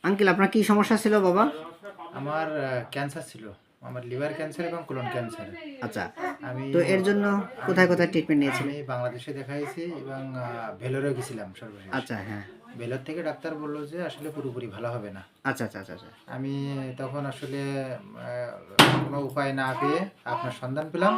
Uncle আপনার কি সমস্যা ছিল বাবা? আমার ক্যান্সার ছিল। আমার লিভার ক্যান্সার এবং কোলন ক্যান্সার। আচ্ছা, আমি তো এর জন্য আমি কোথায় কোথায় ট্রিটমেন্ট নিয়েছিলেন? আমি বাংলাদেশে দেখাইছি এবং ভেলোরে গেছিলাম সর্বশেষ। আচ্ছা, হ্যাঁ। ভেলোর থেকে ডাক্তার বলল যে আসলে পুরোপুরি ভালো হবে না। আচ্ছা, আচ্ছা, আচ্ছা, আচ্ছা। আমি তখন আসলে কোনো উপায় না পেয়ে আপনার সন্ধান পেলাম।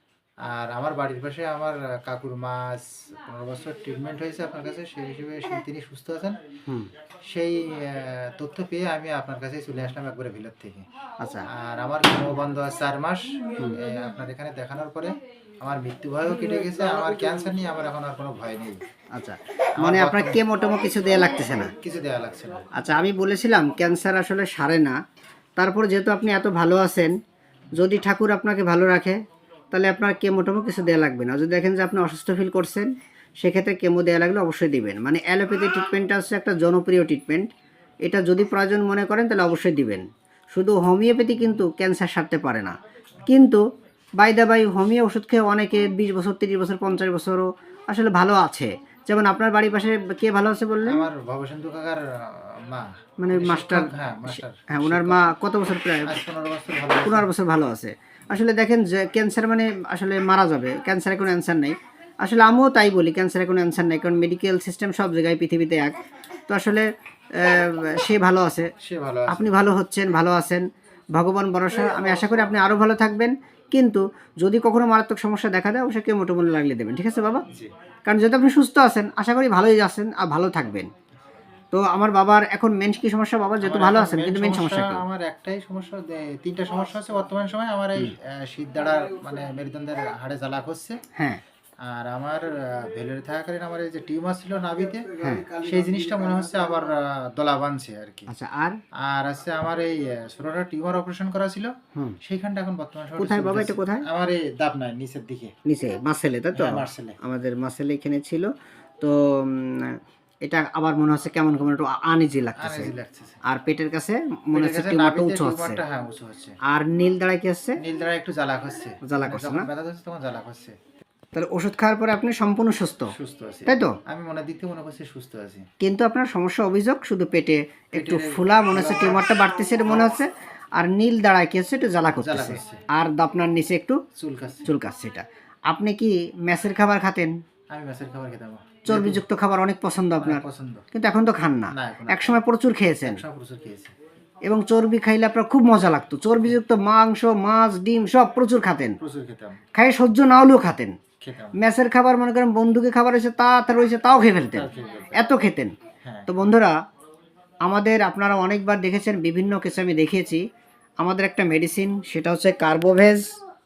আর আমার বাড়ির পাশে আমার কাকুর মা ১৫ বছর ট্রিটমেন্ট হয়েছে আপনার কাছে। সেই হিসেবে তিনি সুস্থ আছেন। হুম। সেই তথ্য পেয়ে আমি আপনার কাছেই চলে আসলাম একবারে ভেলোর থেকে। আচ্ছা। আর আমার কেমো বন্ধ আছে ৪ মাস। আপনার এখানে দেখানোর পরে আমার মৃত্যু ভয়ও কেটে গেছে। আমার ক্যান্সার নিয়ে আমার এখন আর কোনো ভয় নেই। আচ্ছা, আমার মানে আপনার বর্তমান কেমো-টেমো কিছু দেয়া লাগতেছে না? কিছু দেয়া লাগছে না। আচ্ছা, আমি বলেছিলাম ক্যান্সার আসলে সারে না। তারপর যেহেতু আপনি এত ভালো আছেন, যদি ঠাকুর আপনাকে ভালো রাখে, তাহলে আপনার কেমো-টেমো কিছু দেয়া লাগবে না। যদি দেখেন যে আপনি অসুস্থ ফিল করছেন, সেক্ষেত্রে কেমো দেয়া লাগলে অবশ্যই দিবেন। মানে অ্যালোপ্যাথি ট্রিটমেন্টটা হচ্ছে একটা জনপ্রিয় ট্রিটমেন্ট। এটা যদি প্রয়োজন মনে করেন তাহলে অবশ্যই দিবেন। শুধু হোমিওপ্যাথি কিন্তু ক্যান্সার সারতে পারে না। কিন্তু বাই দ্য বাই হোমিও ওষুধ খেয়ে অনেকে 20 বছর, 30 বছর, 50 বছরও আসলে ভালো আছে। যেমন আপনার বাড়ির পাশে কে ভালো আছে বললেন? আমার ভবসিন্ধু কাকার মা, মানে উনি মাস্টার। শিক্ষক, হ্যাঁ মাস্টার, হ্যাঁ, ওনার শিক্ষক। মা কত বছর? প্রায় আজ ১৫ বছর ভালো আছে। 15 বছর ভালো আছে। আসলে দেখেন যে ক্যান্সার মানে আসলে মারা যাবে, ক্যান্সারে কোনো অ্যান্সার নেই। আসলে আমিও তাই বলি, ক্যান্সারে কোনো অ্যান্সার নেই, কারণ মেডিকেল সিস্টেম সব জায়গায় পৃথিবীতে এক। তো আসলে সে ভালো আছে, সে ভালো আছে। আপনি ভালো হচ্ছেন, ভালো আছেন, ভগবান ভরসা। আমি আশা করি আপনি আরও ভালো থাকবেন। কিন্তু যদি কখনো মারাত্মক সমস্যা দেখা দেয় অবশ্যই কেমোটেমো লাগলে দেবেন, ঠিক আছে বাবা? জি। কারণ যেহেতু আপনি সুস্থ আছেন, আশা করি ভালোই আছেন আর ভালো থাকবেন। তো আমার বাবার এখন মেন কি সমস্যা বাবা? যেহেতু আমার ভালো এখন আছেন, মেইন কিন্তু মেন সমস্যা, সমস্যা কি? আমার একটাই সমস্যা, ৩টা সমস্যা হচ্ছে বর্তমান সময়ে। আমার এই শিরদাঁড়ার মানে মেরুদণ্ডের হাড়ে জ্বালা করছে। হ্যাঁ, আর আমার ভেলোরে থাকাকালীন আমার এই যে টিউমার ছিল নাভিতে, হ্যাঁ। সেই জিনিসটা মনে হচ্ছে আবার দলা বাঁধছে আর কি। আচ্ছা, আর? আর আছে আমার এই ছোটটা টিউমার অপারেশন করা ছিল, হুম। সেইখানটা এখন বর্তমান সময়ে কোথায় বাবা, এটা চলতেছে। কোথায়? আমার এই দাবনায় নিচের দিকে। নিচে মাসেলে, তাই তো? হ্যাঁ, মার্সেলে। আমাদের মাসেলে এখানে ছিল। তো এটা আবার মনে হচ্ছে কেমন কেমন একটু আনইজি লাগতেছে। আনইজি লাগতেছে। আর পেটের কাছে মনে পেটের হচ্ছে কাছে টিউমারটা নাভিতে উঁচু হচ্ছে। টিউমারটা হ্যাঁ উঁচু হচ্ছে। আর নীল দাঁড়ায় কি হচ্ছে? নীল দ্বারা একটু জ্বালা করছে। জ্বালা মানে করছে যখন না? ব্যথা করছে তখন জ্বালা করছে। তাহলে ওষুধ খাওয়ার পরে আপনি সম্পূর্ণ সুস্থ, সুস্থ আছি। তাই তো? আমি মনে করছি সুস্থ আছি। কিন্তু আপনার সমস্যা অভিযোগ শুধু পেটে একটু পেটের ফুলা মনে হচ্ছে, টিউমারটা বাড়তেছে এটা মনে হচ্ছে। আর নীল দাঁড়ায় কি হচ্ছে, একটু জ্বালা করতেছে। করছে। আর আপনার নিচে একটু চুলকাচ্ছে। চুলকাচ্ছে। এটা আপনি কি মেসের খাবার খাতেন? আমি মাছের খাবার খেতাম। চর্বিযুক্ত খাবার অনেক পছন্দ আপনার, পছন্দ। কিন্তু এখন তো খান না। না, এখন আর একসময় প্রচুর খেয়েছেন, একসময় প্রচুর খেয়েছি। এবং চর্বি খাইলে আপনার খুব মজা লাগতো। চর্বিযুক্ত মাংস, মাছ, ডিম সব প্রচুর খাতেন, প্রচুর খেতাম। খাই সহ্য না হলেও খাতেন। খেতাম। মেসের খাবার মনে করেন বন্ধুকে খাবার হয়েছে তা রয়েছে তাও খেয়ে ফেলতেন, তাও খেয়ে ফেলতাম। এত খেতেন। হ্যাঁ। তো বন্ধুরা, আমাদের আপনারা অনেকবার দেখেছেন, বিভিন্ন কেসে আমি দেখিয়েছি, আমাদের একটা মেডিসিন, সেটা হচ্ছে কার্বোভেজ।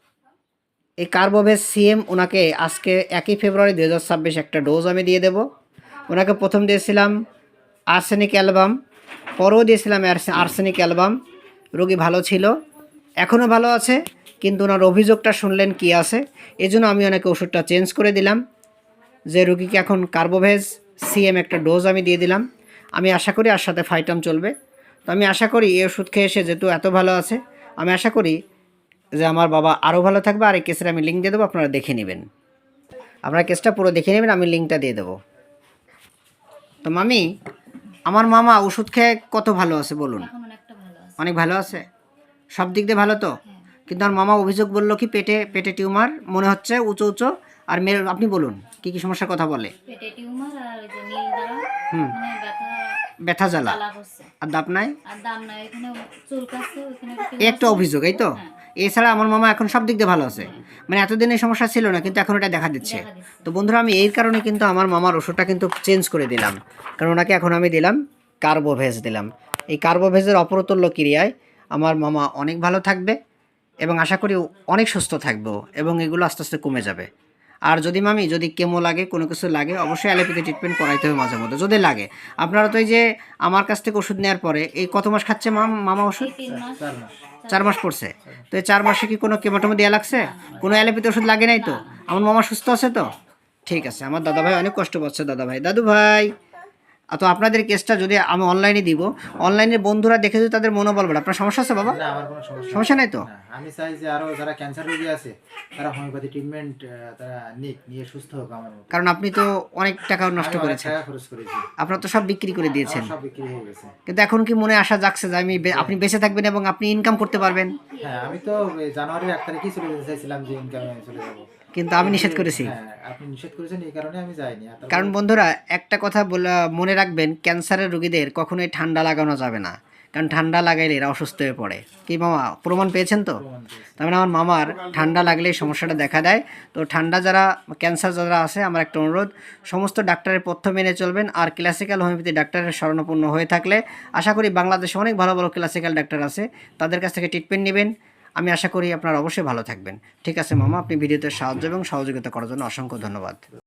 এই কার্বোভেজ সিএম ওনাকে আজকে 1 ফেব্রুয়ারি 2026 একটা ডোজ আমি দিয়ে দেব। ওনাকে প্রথম দিয়েছিলাম আর্সেনিক অ্যালবাম, পরেও দিয়েছিলাম আর্সেনিক অ্যালবাম। রোগী ভালো ছিল, এখনও ভালো আছে, কিন্তু ওনার অভিযোগটা শুনলেন কি আছে, এজন্য আমি ওনাকে ওষুধটা চেঞ্জ করে দিলাম, যে রোগীকে এখন কার্বোভেজ সিএম একটা ডোজ আমি দিয়ে দিলাম। আমি আশা করি আর সাথে ফাইটাম চলবে। তো আমি আশা করি এই ওষুধ খেয়ে এসে যেহেতু এত ভালো আছে, আমি আশা করি যে আমার বাবা আরও ভালো থাকবে। আর এই কেসের আমি লিঙ্ক দিয়ে দেবো, আপনারা দেখে নেবেন। আপনারা কেসটা পুরো দেখে নেবেন, আমি লিঙ্কটা দিয়ে দেবো। তো মামি, আমার মামা ওষুধ খেয়ে কত ভালো আছে বলুন? এখন অনেকটা ভালো আছে। অনেক ভালো আছে, সব দিক দিয়ে ভালো তো? কিন্তু আমার মামা অভিযোগ বললো কি পেটে পেটে টিউমার মনে হচ্ছে উঁচু উঁচু। আর মেয়ের আপনি বলুন কি কি সমস্যার কথা বলে? পেটে টিউমার আর ওই যে নীল দ্বারা হুম। মানে ব্যথা জ্বালা, জ্বালা করছে। আর দাপনায় আর দাম নাই, এখানে চুলকাচ্ছে, ওখানে এই একটা অভিযোগ, এই তো? এছাড়া আমার মামা এখন সব দিক দিয়ে ভালো আছে, মানে এতদিন এই সমস্যা ছিল না, কিন্তু এখন এটা দেখা দিচ্ছে। দেখা দিচ্ছে। তো বন্ধুরা, আমি এই কারণে কিন্তু আমার মামার ওষুধটা কিন্তু চেঞ্জ করে দিলাম, কারণ ওনাকে এখন আমি দিলাম কার্বোভেজ দিলাম। এই কার্বোভেজের অপ্রতুল্য ক্রিয়ায় আমার মামা অনেক ভালো থাকবে, এবং আশা করি অনেক সুস্থ থাকবো, এবং এগুলো আস্তে আস্তে কমে যাবে। আর যদি মামি যদি কেমো লাগে, কোনো কিছু লাগে, অবশ্যই অ্যালোপ্যাথি ট্রিটমেন্ট করাইতে হবে মাঝে মধ্যে যদি লাগে। আপনারা তো এই যে আমার কাছ থেকে ওষুধ নেওয়ার পরে এই কত মাস খাচ্ছে মামা ওষুধ? 3 মাস। 4 মাস। 4 মাস পড়ছে। তো এই 4 মাসে কি কোনো কেমোটেমো দেওয়া লাগছে? কোনো অ্যালোপ্যাথি ওষুধ লাগে নাই তো? আমার মামা সুস্থ আছে তো? ঠিক আছে। আমার দাদা ভাই অনেক কষ্ট পাচ্ছে। দাদা ভাই, দাদু ভাই, তো আপনাদের কেসটা যদি আমি অনলাইনে দিব, অনলাইনের বন্ধুরা দেখে যদি তাদের মনোবল বাড়ে, আপনার সমস্যা আছে বাবা? না, আমার কোনো সমস্যা সমস্যা নাই তো? না। আমি চাই যে আরো যারা ক্যান্সার রোগী আছে তারা হোমিওপ্যাথি ট্রিটমেন্ট তারা নিয়ে সুস্থ হোক আমার মতো। কারণ আপনি তো অনেক টাকা নষ্ট আমি অনেক করেছেন, টাকা খরচ করেছি, আপনার তো সব বিক্রি করে দিয়েছেন, আমার সব বিক্রি হয়ে গেছে। কিন্তু এখন কি মনে আশা জাগছে যে আপনি বেঁচে থাকবেন এবং আপনি ইনকাম করতে পারবেন? হ্যাঁ, আমি তো এই জানুয়ারির 1 তারিখেই চলে যেতে চাইছিলাম যে ইনকামে চলে যাবো, কিন্তু আমি নিষেধ করেছি। হ্যাঁ আপনি নিষেধ করেছেন, এই কারণে আমি যাইনি। আর তারপরে কারণ বন্ধুরা একটা কথা মনে রাখবেন, ক্যান্সারের রোগীদের কখনোই ঠান্ডা লাগানো যাবে না, কারণ ঠান্ডা লাগাইলে এরা অসুস্থ হয়ে পড়ে। কি মামা প্রমাণ পেয়েছেন তো? প্রমাণ পেয়েছি। তার মানে আমার মামার ঠান্ডা লাগলে এই সমস্যাটা দেখা দেয়। তো ঠান্ডা যারা ক্যান্সার যারা আছে, আমার একটা অনুরোধ, সমস্ত ডাক্তারের পথ্য মেনে চলবেন। আর ক্লাসিক্যাল হোমিওপ্যাথি ডাক্তারের শরণাপন্ন হয়ে থাকলে আশা করি বাংলাদেশে অনেক ভালো ভালো ক্লাসিক্যাল ডাক্তার আছে, তাদের কাছ থেকে ট্রিটমেন্ট নেবেন। আমি আশা করি আপনারা অবশ্যই ভালো থাকবেন। ঠিক আছে মামা, আপনি ভিডিওতে সাহায্য এবং সহযোগিতা করার জন্য অসংখ্য ধন্যবাদ।